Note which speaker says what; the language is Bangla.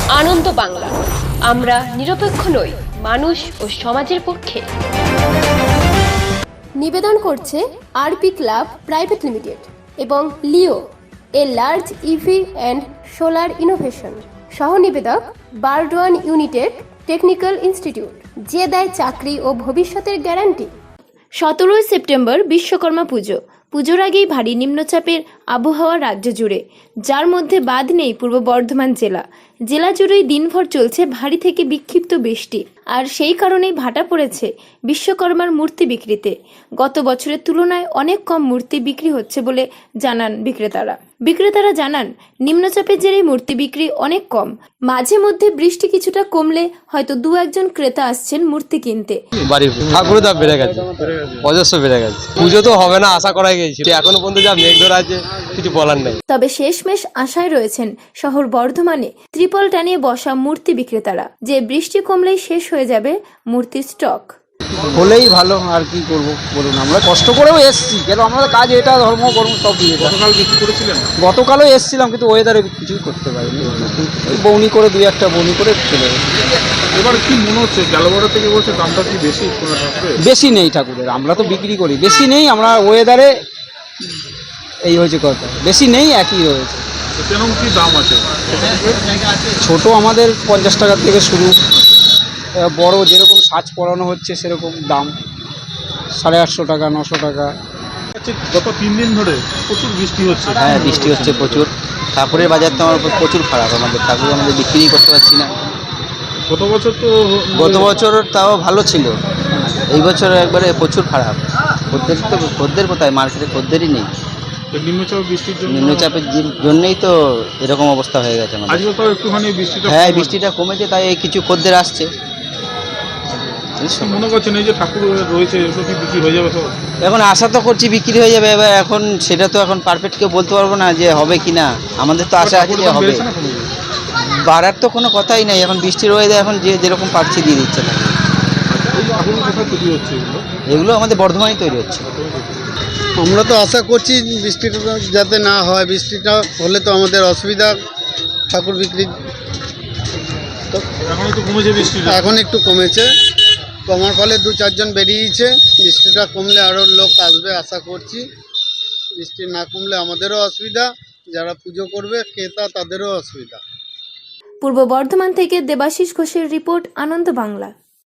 Speaker 1: আনন্দ বাংলা, আমরা নিরপেক্ষ নই, মানুষ ও সমাজের পক্ষে।
Speaker 2: নিবেদন করছে আরপি ক্লাব প্রাইভেট লিমিটেড এবং Leo, a large EV and solar innovation. সহ নিবেদক বারডোয়ান ইউনিটেড টেকনিক্যাল ইনস্টিটিউট, যে দেয় চাকরি ও ভবিষ্যতের গ্যারান্টি। 17 সেপ্টেম্বর বিশ্বকর্মা পুজো। পুজোর আগেই ভারী নিম্নচাপের আবহাওয়া রাজ্য জুড়ে, যার মধ্যে বাদ নেই পূর্ব বর্ধমান জেলা। জেলা জুড়েই দিনভর চলছে ভারী থেকে বিক্ষিপ্ত বৃষ্টি, আর সেই কারণেই ভাটা পড়েছে বিশ্বকর্মার মূর্তি বিক্রিতে। গত বছরের তুলনায় অনেক কম মূর্তি বিক্রি হচ্ছে বলে জানান বিক্রেতারা জানান, নিম্নচাপের জেরে মূর্তি বিক্রি অনেক কম। মাঝে মধ্যে বৃষ্টি কিছুটা কমলে হয়তো দু একজন ক্রেতা আসছেন মূর্তি কিনতে।
Speaker 3: বাড়ির ঠাকুরের দাম বেড়ে গেছে, অজস্র বেড়ে গেছে। পুজো তো হবে না আশা করাই গেছে, এখনো পর্যন্ত যা মেঘ ধরা আছে কিছু বলার নেই।
Speaker 2: তবে শেষমেশ আশায় রয়েছেন শহর বর্ধমানে ত্রিপল টানিয়ে বসা মূর্তি বিক্রেতারা, যে বৃষ্টি কমলেই শেষ হয়ে যাবে মূর্তির স্টক।
Speaker 4: হলেই ভালো, আর কি করব বলুন। আমরা কষ্ট করেও এসেছি, কেন আমাদের কাজ এটা, ধর্ম কর্ম সব দিয়ে।
Speaker 5: গতকাল বিক্রি করেছিলেন?
Speaker 4: গতকালও এসেছিলাম, কিন্তু ওয়েদারে কিছুই করতে পারিনি। ওই বৌনি করে দুই একটা বৌনি করে চলে গেছে।
Speaker 5: এবার কি মনে হচ্ছে গ্যালাবাড়া থেকে বলছে দামটা কি বেশি?
Speaker 4: বেশি নেই ঠাকুরের, আমরা তো বিক্রি করি, বেশি নেই। আমরা ওয়েদারে এই হয়েছে কথা, বেশি নেই, একই রয়েছে।
Speaker 5: কেমন কি দাম আছে?
Speaker 4: ছোট আমাদের 50 টাকা থেকে শুরু, বড় যেরকম সাজ পরানো হচ্ছে সেরকম দাম 850 টাকা, 900 টাকা।
Speaker 5: গত 3 দিন ধরে প্রচুর বৃষ্টি হচ্ছে।
Speaker 6: হ্যাঁ, বৃষ্টি হচ্ছে প্রচুর। ঠাকুরের বাজার তো আমার প্রচুর খারাপ, আমাদের ঠাকুর আমাদের বিক্রি করতে পারছি না।
Speaker 5: গত বছর তো
Speaker 6: গত বছর তাও ভালো ছিল, এই বছর একবারে প্রচুর খারাপ। খদ্দের কোথায়? মার্কেটে খদ্দেরই নেই।
Speaker 5: নিম্নচাপ বৃষ্টির জন্য,
Speaker 6: নিম্নচাপের জন্যই তো এরকম অবস্থা হয়ে গেছে আমাদের।
Speaker 5: আজকে তাও একটুখানি বৃষ্টিটা,
Speaker 6: হ্যাঁ, বৃষ্টিটা কমেছে, তাই এই কিছু খদ্দের আসছে।
Speaker 5: মনে করছেন এই যে ঠাকুর রয়েছে এগুলো কি বিক্রি হয়ে যাবে? তো
Speaker 6: এখন আশা তো করছি বিক্রি হয়ে যাবে, এবার এখন সেটা তো এখন পারফেক্ট কেউ বলতে পারবো না যে হবে কি না। আমাদের তো আশা আছে যে হবে, বাড়ার তো কোনো কথাই নেই। এখন বৃষ্টির ওয়েদার, এখন যে যেরকম পারছি দিয়ে দিচ্ছে না। এগুলো আমাদের বর্ধমানেই তৈরি হচ্ছে।
Speaker 7: আমরা তো আশা করছি বৃষ্টিটা যাতে না হয়, বৃষ্টিটা হলে তো আমাদের অসুবিধা ঠাকুর বিক্রি। তো এখন একটু কমেছে, কমার ফলে 2-4 জন বেরিয়েছে। বৃষ্টিটা কমলে আরও লোক আসবে আশা করছি। বৃষ্টি না কমলে আমাদেরও অসুবিধা, যারা পুজো করবে ক্রেতা তাদেরও অসুবিধা।
Speaker 2: পূর্ব বর্ধমান থেকে দেবাশিস ঘোষের রিপোর্ট, আনন্দ বাংলা।